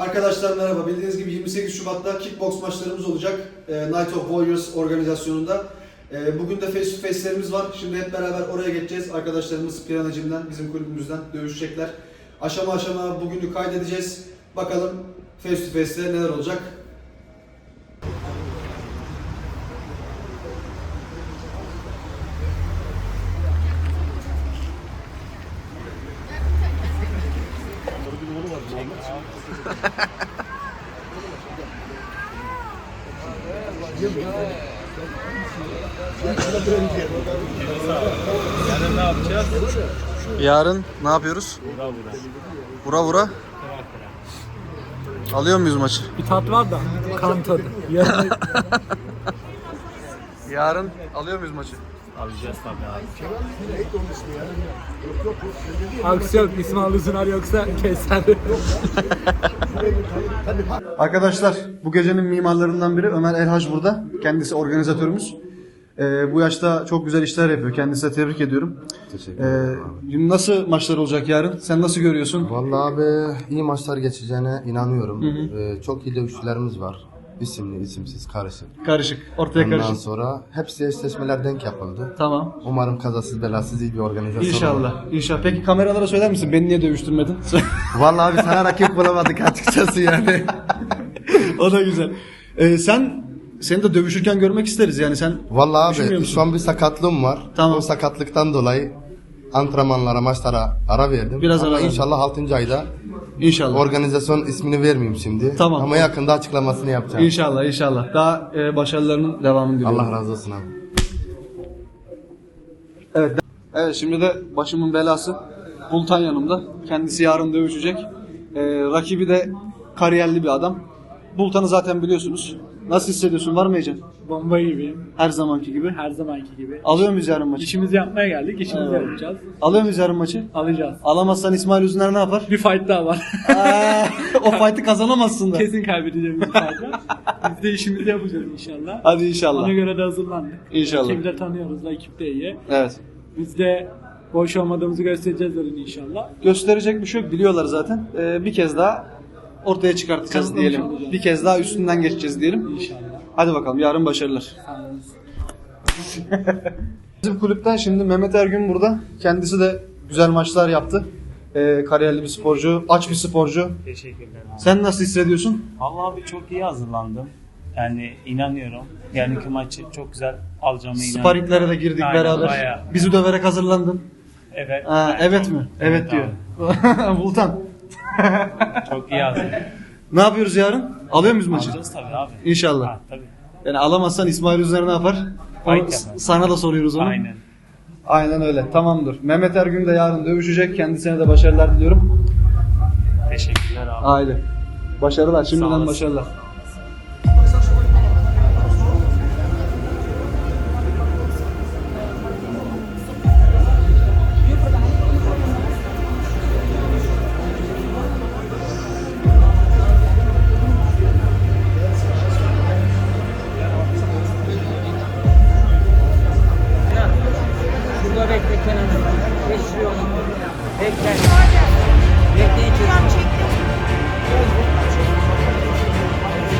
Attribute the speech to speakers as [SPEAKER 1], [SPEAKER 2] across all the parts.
[SPEAKER 1] Arkadaşlar merhaba. Bildiğiniz gibi 28 Şubat'ta kickbox maçlarımız olacak. Night of Warriors organizasyonunda. Bugün de face to face'lerimiz var. Şimdi hep beraber oraya geçeceğiz. Arkadaşlarımız Pirana Gym'den, bizim kulübümüzden dövüşecekler. Aşama aşama bugünü kaydedeceğiz. Bakalım face to face'te neler olacak.
[SPEAKER 2] Yarın ne yapacağız?
[SPEAKER 1] Yarın ne yapıyoruz? Vura vura. Alıyor muyuz maçı?
[SPEAKER 2] Bir tat var da kan tadı.
[SPEAKER 1] Yarın alıyor muyuz maçı?
[SPEAKER 2] Alacağız tabii abi. Aksiyon İsmail Uzunar yoksa keser.
[SPEAKER 1] Arkadaşlar bu gecenin mimarlarından biri Ömer Elhac burada. Kendisi organizatörümüz. Bu yaşta çok güzel işler yapıyor. Kendisine tebrik ediyorum.
[SPEAKER 3] Teşekkür ederim.
[SPEAKER 1] Nasıl maçlar olacak yarın? Sen nasıl görüyorsun?
[SPEAKER 3] Vallahi abi iyi maçlar geçeceğine inanıyorum. Çok iyi dövüşçülerimiz var. İsimli, isimsiz, karışık.
[SPEAKER 1] Karışık. Ortaya
[SPEAKER 3] Ondan
[SPEAKER 1] karışık.
[SPEAKER 3] sonra hepsi eşleşmeler denk yapıldı.
[SPEAKER 1] Tamam.
[SPEAKER 3] Umarım kazasız belasız iyi bir organizasyon olur.
[SPEAKER 1] İnşallah. İnşallah. Peki kameralara söyler misin? Beni niye dövüştürmedin?
[SPEAKER 3] Vallahi abi sana rakip bulamadık açıkçası yani.
[SPEAKER 1] O da güzel. Seni de dövüşürken görmek isteriz yani sen.
[SPEAKER 3] Vallahi
[SPEAKER 1] Düşünmüyor
[SPEAKER 3] abi
[SPEAKER 1] musun?
[SPEAKER 3] şu an bir sakatlığım var.
[SPEAKER 1] Tamam.
[SPEAKER 3] O sakatlıktan dolayı antrenmanlara, maçlara ara verdim.
[SPEAKER 1] Biraz
[SPEAKER 3] ama
[SPEAKER 1] ara verdin.
[SPEAKER 3] inşallah 6. ayda
[SPEAKER 1] İnşallah.
[SPEAKER 3] organizasyon ismini vermeyeyim şimdi.
[SPEAKER 1] Tamam.
[SPEAKER 3] Ama yakında açıklamasını yapacağım.
[SPEAKER 1] İnşallah inşallah. Daha başarılarının devamını diliyorum.
[SPEAKER 3] Allah razı olsun abi.
[SPEAKER 1] Evet. Evet şimdi de başımın belası Bultan yanımda. Kendisi yarın dövüşecek. Rakibi de kariyerli bir adam. Bultan'ı zaten biliyorsunuz. Nasıl hissediyorsun? Var mı heyecan?
[SPEAKER 2] Bomba gibiyim.
[SPEAKER 1] Her zamanki gibi.
[SPEAKER 2] Her zamanki gibi.
[SPEAKER 1] Alıyor muyuz yarın maçı?
[SPEAKER 2] İşimizi yapmaya geldik. İşimizi yapacağız.
[SPEAKER 1] Alıyor muyuz yarın maçı?
[SPEAKER 2] Alacağız.
[SPEAKER 1] Alamazsan İsmail Üzüner ne yapar?
[SPEAKER 2] Bir fight daha var.
[SPEAKER 1] O fight'ı kazanamazsın da.
[SPEAKER 2] Kesin kaybedeceğimiz bir fight var. Biz de işimizi yapacağız inşallah.
[SPEAKER 1] Hadi inşallah.
[SPEAKER 2] Ona göre de hazırlandık.
[SPEAKER 1] İnşallah.
[SPEAKER 2] Ekibi de tanıyoruz. Ekip de iyi.
[SPEAKER 1] Evet.
[SPEAKER 2] Biz de boş olmadığımızı göstereceğiz yarın inşallah.
[SPEAKER 1] Gösterecek bir şey yok. Biliyorlar zaten. Bir kez daha ortaya çıkartacağız
[SPEAKER 2] Kanıtlamış
[SPEAKER 1] diyelim.
[SPEAKER 2] olacağız.
[SPEAKER 1] Bir kez daha üstünden geçeceğiz diyelim.
[SPEAKER 2] İnşallah.
[SPEAKER 1] Hadi bakalım yarın başarılar.
[SPEAKER 2] Sağ olun.
[SPEAKER 1] Bizim kulüpten şimdi Mehmet Ergün burada. Kendisi de güzel maçlar yaptı. Kariyerli bir sporcu, aç bir sporcu.
[SPEAKER 4] Teşekkürler abi.
[SPEAKER 1] Sen nasıl hissediyorsun?
[SPEAKER 4] Vallahi abi çok iyi hazırlandım. Yani inanıyorum. Yarınki maçı çok güzel alacağıma inanıyorum.
[SPEAKER 1] Sparinglere de girdik
[SPEAKER 4] Aynen,
[SPEAKER 1] beraber.
[SPEAKER 4] bayağı.
[SPEAKER 1] Bizi döverek hazırlandın.
[SPEAKER 4] Evet.
[SPEAKER 1] Ha, evet mi? Evet diyor. Bultan.
[SPEAKER 4] Çok iyi hazırlandım.
[SPEAKER 1] Ne yapıyoruz yarın? Alıyor muyuz maçı?
[SPEAKER 4] Alacağız tabii abi.
[SPEAKER 1] İnşallah.
[SPEAKER 4] Ha, tabii.
[SPEAKER 1] Yani alamazsan İsmail Üzüner ne yapar? Onu
[SPEAKER 4] Fight yapar.
[SPEAKER 1] sana da soruyoruz onu.
[SPEAKER 4] Aynen.
[SPEAKER 1] Aynen öyle. Tamamdır. Mehmet Ergün de yarın dövüşecek. Kendisine de başarılar diliyorum.
[SPEAKER 4] Teşekkürler abi.
[SPEAKER 1] Aile. Başarılar.
[SPEAKER 4] Sağ
[SPEAKER 1] Şimdiden
[SPEAKER 4] olasın.
[SPEAKER 1] başarılar.
[SPEAKER 5] Şurada bekle kenarında. Geçiyor. Bekle. Bekleyin çözüm.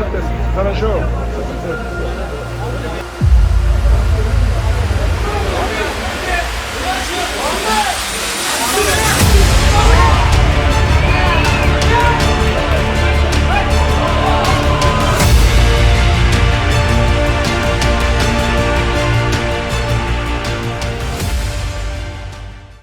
[SPEAKER 6] suertes. Хорошо.